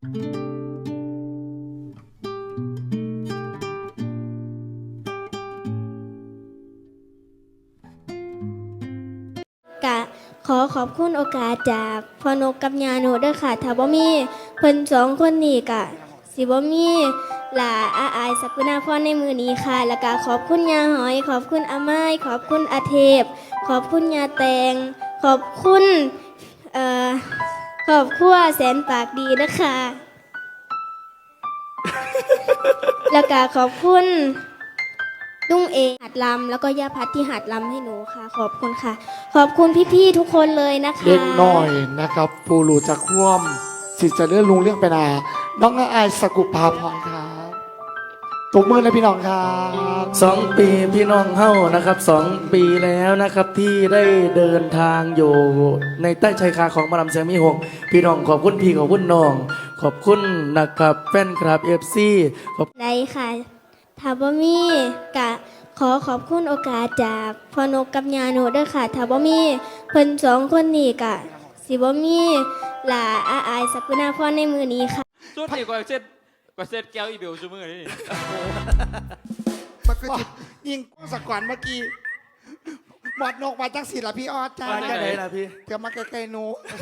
กะขอขอบคุณโอกาสจากพ่อนกกับยาโนด้วยค่ะถ้าบ่มีเพิ่นสองคนนี้กะสิบ่มีหล่าอาอายสักุณาพรในมือนี้ค่ะแล้วก็ขอบคุณยาหอยขอบคุณอาไม้ขอบคุณอาเทพขอบคุณยาแตงขอบคุณขอบครัวแสนปากดีนะคะ แล้วก็ขอบคุณลุงเอหัดลำแล้วก็ย่าพัดที่หัดลำให้หนูค่ะ ขอบคุณค่ะ ขอบคุณพี่ๆทุกคนเลยนะคะเล็กน้อยนะครับปูรูจะคว่ำสิจะเลื่อนลุงเรื่องไปนาน้องอายสกุภาพรครับตบมือเลยพี่น้องครับ 2 ปีพี่น้องเฮ้านะครับ2 ปีแล้วนะครับที่ได้เดินทางอยู่ในใต้ชายคาของมาลำเสียงมีหกพี่น้องขอบคุณพี่ขอบคุณน้องขอบคุณนะครับแฟนคลับFC ขอบได้ค่ะถ้าบ่มีกะขอขอบคุณโอกาสจากพ่อนกกับยาโนด้วยค่ะถ้าบ่มีเพิ่นสองคนนี้กะสิบ่มีหล่าอาอายสักุณาพรในมือนี้ค่ะสุดนี่ก็เซ็ตแก้วอีเบลซูมือนี่มันก็จะยิงสกอนเมื่อกี้หมดนกมาจากศิลพี่ออดจ้ามาจากไหนล่ะพี่เดี๋ยวมาใกล้ๆหนู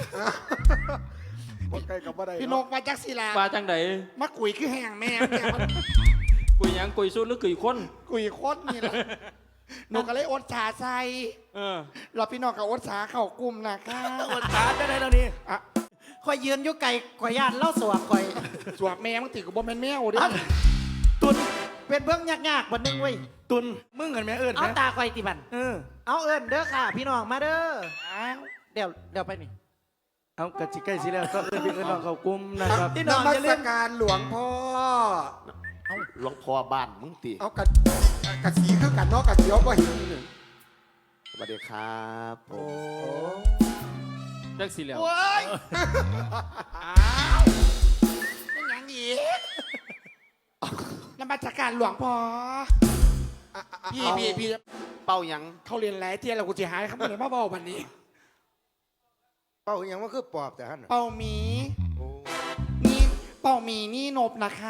ใกล้กับบ่ได้พี่นกมาจากศิลาปลาจังไดมากุยคือแห้งแม่เนี่ยมันกุยหยังกุยสุดหรือกุยคนกุยโคตรนี่แหละหนูก็เลยอดชาใส่เออเราพี่น้องกับอดชาเข้ากลุ่มนะคะอดตาจะได้แล้วนี่อ่ะคอยยืนอยู่ไก่ข่อยย่านเล่าสวกข่อยสวบแม่มึงติดกับบ่แม่นแมวเดิตุนเป็นเบื้องยากๆวันนึงเว้ยตุนมึงเห็นไหมเอิญเอาไหมตาข่อยติบัน เอาเอิญเด้อค่ะ พี่น้องมาเด้ออ้าวเดี๋ยวไปนี่เอากระจิใกล้สิแล้วก็เอิญพี่เอิญน้องเขากุ้มนะครับพี่น้องนมัอย่าสลืมการหลวงพ่อหลวงพ่อบ้านมึงตีเอากระสีคือกันเนาะกระเสียวก็เห็นอยู่สวัสดีครับผมจักสีเหลียวโอ้ยอ้าวไม่หยังอีกนมัสการหลวงพ่อพี่เป้าหยังเขาเรียนหลายเที่ยแล้วกูจะหายเขาไม่ได้มาบอกวันนี้เป้าหยังว่าคือปอบแต่ฮั่นน่ะเป่าหมีโอ้นี่เป่าหมีนี่นบนะคะ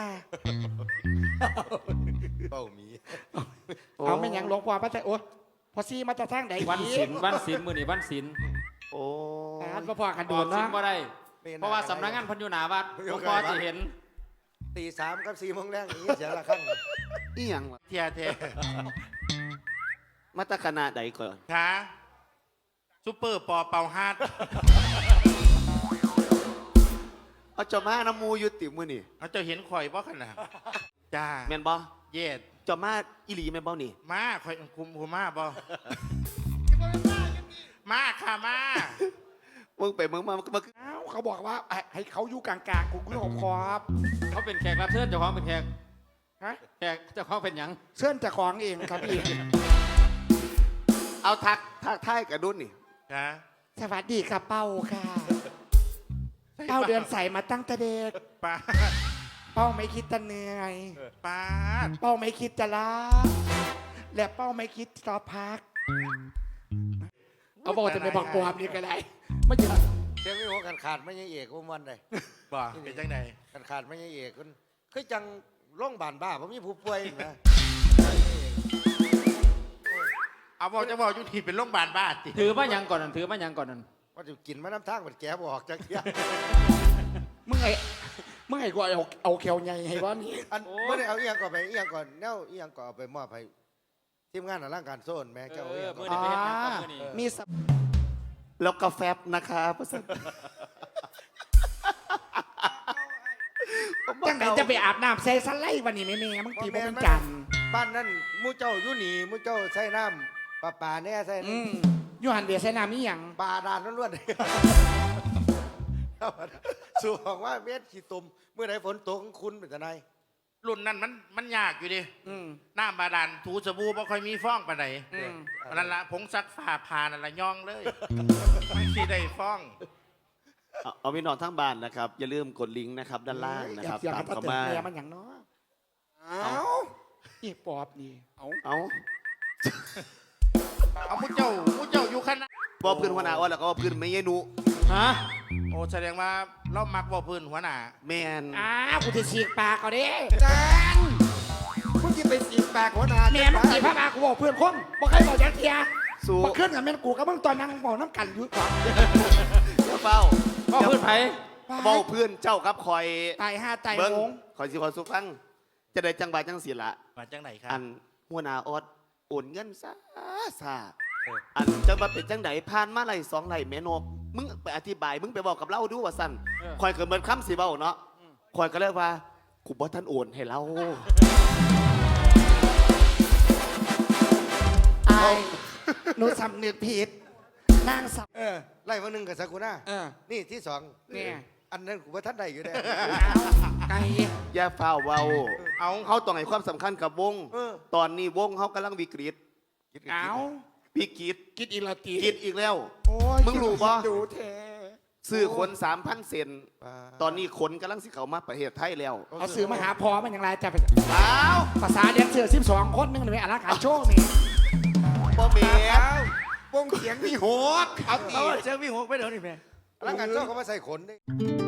เป้าหมีเอาไม่หยังหลวงพ่อมาแต่โอ้พอซี่มาจะทางไหนวันศิลป์วันศิลป์มือนี่วันศิลป์โอ้มาพอกันบโดอกนศิลเนาะป์บ่ได้ เพราะว่าสำนักงานเพันอยุนาวัดหลวงพ่อจะเห็นตี3กับ4 โมงแรงนี้เสียละครั้งอีหยังวะเทียเทมาตรขนาดใดก่อนช้าซุปเปอร์ปอเป่าฮาร์ดเอาเจ้ามาน้ำมูอยู่ติมือนี่เขาจะเห็นข่อยบ่ขนาดจ้าแม่นบ่เย็ดเจ้ามาอีหลีแม่นบ่นี่มาข่อยคุมมาบ่มาค่ะมามึงไปมึงมามันก็อ้าวเขาบอกว่าให้เขาอยู่กลางๆกูก็ขอบเขาเป็นแขกรับเชิญเจ้าของเป็นแขกฮะแขกเจ้าของเป็นหยังเสื้อนจะของเองครับพี่เอาทักทายกับดุนนี่จ้าสวัสดีค่ะเป้าค่ะเป้าเดือนใส่มาตั้งแต่เด็กป้าเป้าไม่คิดจะเหนื่อยป้าเป้าไม่คิดจะล้าและเป้าไม่คิดจะพักเอาบอกจะไปบอกปอบนี่ก็ได้ไม่ถึงเจ้าไม่หัวขาดไม่ยังเอกว่ามันได้บ่เป็นจังไดขาดไม่ยังเอกคนคือจังโรงพยาบาลบ้าเพราะมีผู้ป่วยนะเอาบอกจะบอกอยู่ที่เป็นโรงพยาบาลบ้าติถือมาหยังก่อนนั่นถือมาหยังก่อนนั่นว่าจะกินมาน้ำทางมันแกบออกจากเกี้ยมึงไงกูเอาแขวใหญ่ให้ว่านี่อันไม่ได้เอาเอียงก่อนไปเอียงก่อนแนวเอียงก่อนเอาไปมอบให้ทีมงานร่างการโซนแม่เจ้าเอเอีอยงมือก่อนนี่ไปเห็นหยังก่อนมือนี่มีสับแล้วกาแฟนะครับภาษาจังไหนจะไปอาบน้ำใส่สไลด์วันนี้แม่มึงตีบ่เป็นจันทร์บ้านนั่นมูเจ้าอยู่หนีมูเจ้าใส่น้ำปลาแน่ใส่อืมยูหันเดียใส่น้ำนี่ยังปลาดานล้วนๆสู่บอกว่าเม็ดขี้ตุ่มเมื่อไหร่ฝนตกคุณเป็นจะไงรุ่นนั้นมันยากอยู่ดิอืมน้ำบาดาลถูสบู่บ่ค่อยมีฟองปานใดอืมนั่นละผงซักผ้าพานั่นละย่องเลยไม่สิได้ฟองเอาพี่น้องทั้งบ้านนะครับ อย่าลืมกดลิงก์นะครับ ด้านล่างนะครับอยากตามจะเข้าเตือนมาแม่มันอย่างเนาะเอาอีปอบนี่เอาเอาเอามุเจ้าอยู่คณะบอกเพื่อนหัวหน้าอ้อนแล้วก็บอกเพื่อนไม่ยนุฮะโอ้แสดงว่าเรามักบ่พื้นหัวหน้าแมนกูจะฉีกปากเขาดิจานมึงจะไปสีปากหัวหน้าแม่มึงจีบพระบากูบอกเพื่อนคนบอกใครบอกยักเทียสู้บอกขึ้นกับแม่กูกับมึงตอนนั่งบอกน้ำกันอยู่ก่อนเจ้าเฝ้าพ่อเพื่อนไผเบ้าเพื่อนเจ้ากับคอยตายห้าตายเบิ้งโงคอยสิคอยสุฟัง จะได้จังหวะจังสิละมาจังไหนครับอันหัวหน้าออดโอนเงินซาอันจังมาเป็นจังไหนผ่านมาไหล2ไหลแม่นกมึงไปอธิบายมึงไปบอกกับเราดูว่าสั่นคอยเกิดเหมือนคำสิเบ้าเนาะคอยก็เลยว่ากูบ่ท่านโอนให้เราไอ้หนูสำนึกผิดนางสาวไล่มาหนึ่งกับซากุระ นี่ที่สองเนี่ยอันนั้นกูว่าท่านใดอยู่ได้ไก่อย่าฝ้าวเว้าเอาเขาต้องให้ความสำคัญกับวง ตอนนี้วงเขากำลังวิกฤตเอาวิกฤตกินอีลาตีกินอีกแล้วโอ้ยมึงรู้ปะดูเทซื้อขน3,000 เซนตอนนี้ขนกำลังสิเขามาประเทศไทยแล้วเอาสื่อมาหาพอมันอย่างไรจะไปอ้าวภาษาเลี้ยงเสือ12 คนนึงเลยอาราคาโชว์นี่บ่เมียวงเสียงมีหัวเอาตีเจ้าพี่หกไปเดี๋ยวนี่แม่ร่างกายเจ้าเขามาใส่ขนได้